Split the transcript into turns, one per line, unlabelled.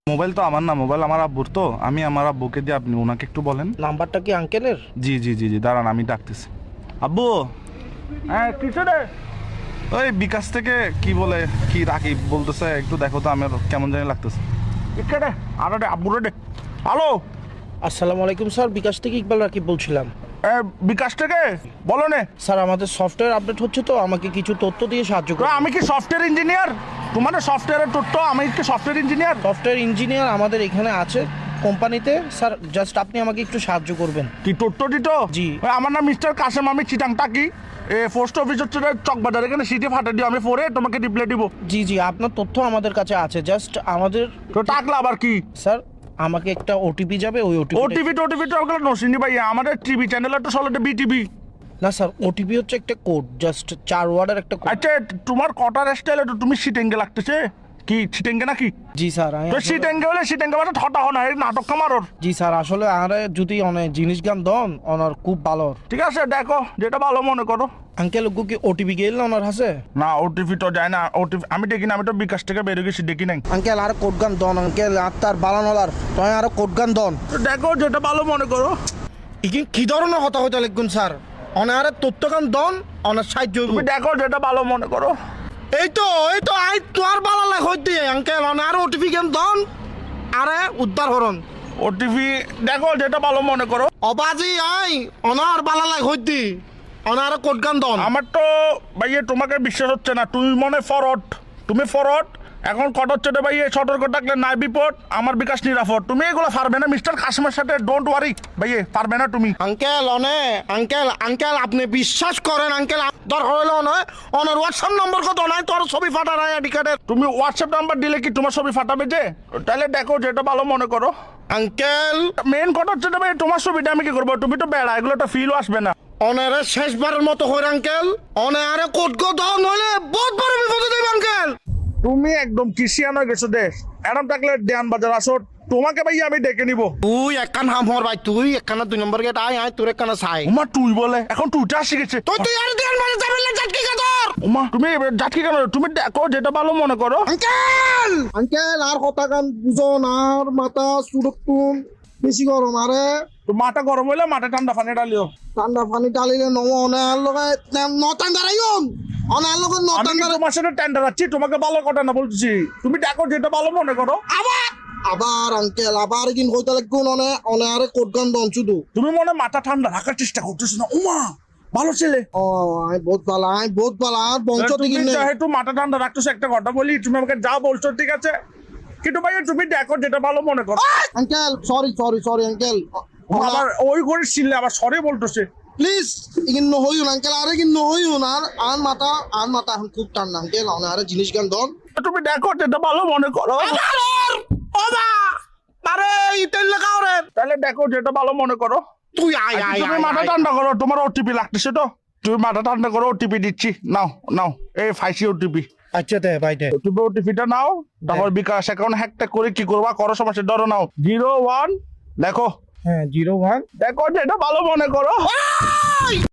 Mobile তো আমার না, মোবাইল আমার আব্বুর, তো আমি আমার আব্বুকে দিয়ে, আপনি ওনাকে একটু বলেন।
নাম্বারটা কি আঙ্কেলের?
জি জি জি জি, দাঁড়ান আমি ডাকতেছি। আব্বু,
হ্যাঁ কিছু রে।
ওই বিকাশ থেকে কি বলে, কি রাকিব বলতেছে, একটু দেখো তো, আমার কেমন জানি লাগতেছে।
ইকে রে, আরে রে আব্বু রে। হ্যালো, আসসালামু আলাইকুম স্যার, বিকাশ থেকে ইকবাল রাকিব বলছিলাম।
বিকাশ থেকে বলো নে।
স্যার আমাদের সফটওয়্যার আপডেট হচ্ছে, তো আমাকে কিছু তথ্য দিয়ে সাহায্য করুন।
আমি কি সফটওয়্যার ইঞ্জিনিয়ার? তোমার সফটওয়্যারের তথ্য, আমি কি সফটওয়্যার ইঞ্জিনিয়ার?
সফটওয়্যার ইঞ্জিনিয়ার আমাদের এখানে আছে কোম্পানিতে। স্যার জাস্ট আপনি আমাকে একটু সাহায্য করবেন।
কি তথ্য দিত?
জি।
আমার নাম মিস্টার কাসেম, আমি চিটাংটা কি পোস্ট অফিস হচ্ছে চকবাজার, এখানে সিটি ফাটা দিও, আমি পরে তোমাকে রিপ্লাই দিব।
জি জি, আপনার তথ্য আমাদের কাছে আছে, জাস্ট আমাদের
তো টাকলা আবার কি?
স্যার আমাকে একটা ওটিপি যাবে, ওই
ওটিভি তো ওগুলো নসিনি ভাই, আমাদের টিভি চ্যানেল তো চলে বিটিভি।
না স্যার, ওটিপি হচ্ছে একটা কোড, জাস্ট 4 ওয়ার্ডের একটা কোড।
আচ্ছা, তোমার কটার স্টাইলে তো তুমি সিটেঙ্গে লাগতেছে, কি সিটেঙ্গে নাকি?
জি স্যার
তো সিটেঙ্গে হলে সিটেঙ্গে মানে ঠটা হনা, এই নাটক কামারর।
জি স্যার, আসলে আরে যদি অনেক জিনিস গান দন ওনার খুব ভালো।
ঠিক আছে, দেখো যেটা ভালো মনে করো।
আঙ্কেল ওগু কি ওটিপি গেল না ওনার হাসে?
না, ওটিভি তো যায় না, ওটিভি আমি দেখি না, আমি তো বিকাশ থেকে বেরিয়ে গেছি, দেখি নাই।
আঙ্কেল আর কোড গান দন, আঙ্কেল আত্মার বালানলার তয় আর কোড গান দন।
তো দেখো যেটা ভালো মনে করো।
ইকিন কি ধরনের হতা হইতে লিখুন স্যার, অনার তথ্য গান দন, অনার সাহায্য হইবো।
তুমি দেখো যেটা ভালো মনে করো।
এই তো আই তোর বালা লাগ হইতে আঙ্কেল অনার ওটিপি গান দন, আরে উদ্ধার হরন।
ওটিভি দেখো যেটা ভালো মনে করো।
অবাজি আই অনার বালা লাগ হইতে অনার কোড গান দন।
আমার তো ভাইয়ে তোমাকে বিশ্বাস হচ্ছে না, তুমি মনে ফরওয়ার্ড, তুমি ফরওয়ার্ড। এখন কট হচ্ছে রে ভাইয়ে, সতর্ক থাকলে নাই বিপদ, আমার বিকাশ নিরাপদ। তুমি এগুলো পারবে না মিস্টার কাসিমের সাথে, ডোন্ট ওয়ারি ভাইয়ে, পারবে না তুমি।
আঙ্কেল আঙ্কেল আপনি বিশ্বাস করেন আঙ্কেল, দরকার হইলো নয় অনার হোয়াটসঅ্যাপ নম্বর কত নাই, তোর ছবি ফাটা নাই আইডি কার্ডের।
তুমি হোয়াটসঅ্যাপ নাম্বার দিলে কি তোমার ছবি ফাটাবে যে? তাহলে দেখো যেটা ভালো মনে করো।
আঙ্কেল
মেন কথা হচ্ছে ভাই, তোমার ছবিটা আমি কি করবো? তুমি তো বেড়া, এগুলো তো ফিলও আসবে না।
অনারে শেষবারের মতো হইর আঙ্কেল, অনারে কোট গো দাও নইলে বহুত বড় বিপদে দেব আঙ্কেল।
তুমি একদম কিসিয়ান হয়ে গেছো দেশ, এরম থাকলে দেয়ান বাজার আসো, তোমাকে ভাই আমি ডেকে নিবো।
তুই একখান হাম হর ভাই, তুই একখানা 2 নম্বর গেট আয় তোর একখানা ছাই।
উমা তুই বলে, এখন তুইটা শিখেছে।
তুই আর দেন মানে যাবেন না জাটকি কাদর।
উমা তুমি যাচ্ছি কেন? তুমি দেখো যেটা ভালো মনে করো।
আঙ্কেল আর কথা গান বুঝন, আর মাথা সুরক্ষণ বেশি গরম, আরে
তো মাথা গরম হইলে মাথা ঠান্ডা পানি ডালিও।
ঠান্ডা পানি ডালিলে নম অনার লগে নটান দাঁড়াইন, অনার লগে
আমি
নটান
কি
দাঁড়াই।
তোমার সাথে টেন্ডার আছি, তোমাকে ভালো কথা না বলছি। তুমি দেখো যেটা ভালো মনে করো।
আবার আঙ্কেল আবার কিন কইতে লাগুন, অনারে কোট গান দন শুধু।
তুমি মনে মাথা ঠান্ডা রাখার চেষ্টা করতেছো না। উমা ভালো ছেলে,
ও আই বহুত ভালো আর বংশ
তুমি
থেকে নেই।
যেহেতু মাথা ঠান্ডা রাখতেছো, একটা কথা বলি, তুমি আমাকে যা বলছো ঠিক আছে, কিন্তু ভাই তুমি দেখো যেটা ভালো মনে করো।
আঙ্কেল সরি আঙ্কেল,
আবার ওই করে ছিললে আবার সরে বলতেছে।
প্লিজ ইগিন নহইউন আঙ্কেল, আরে ইগিন নহইউন, আর মাথা এখন খুব টান আঙ্কেল, অনারে জিনিস গান দন।
তুমি দেখো যেটা ভালো মনে করো।
ওবা আরে ইতেল লাগাও রে।
তাহলে দেখো যেটা ভালো মনে করো।
তুই আয়
তুমি মাথা ঠান্ডা করো, তোমার ওটিপি লাগতেছে তো, তুমি মাথা ঠান্ডা করো, ওটিপি দিচ্ছি, নাও এই ফাইসি ওটিপি।
আচ্ছা দে ভাই দে।
তুমি ওটিপিটা নাও, তারপর বিকাশ অ্যাকাউন্ট হ্যাকটা করে কি করবা করো, সমস্যা ধরো নাও 01 দেখো।
হ্যাঁ 01
দেখো যেটা ভালো মনে করো।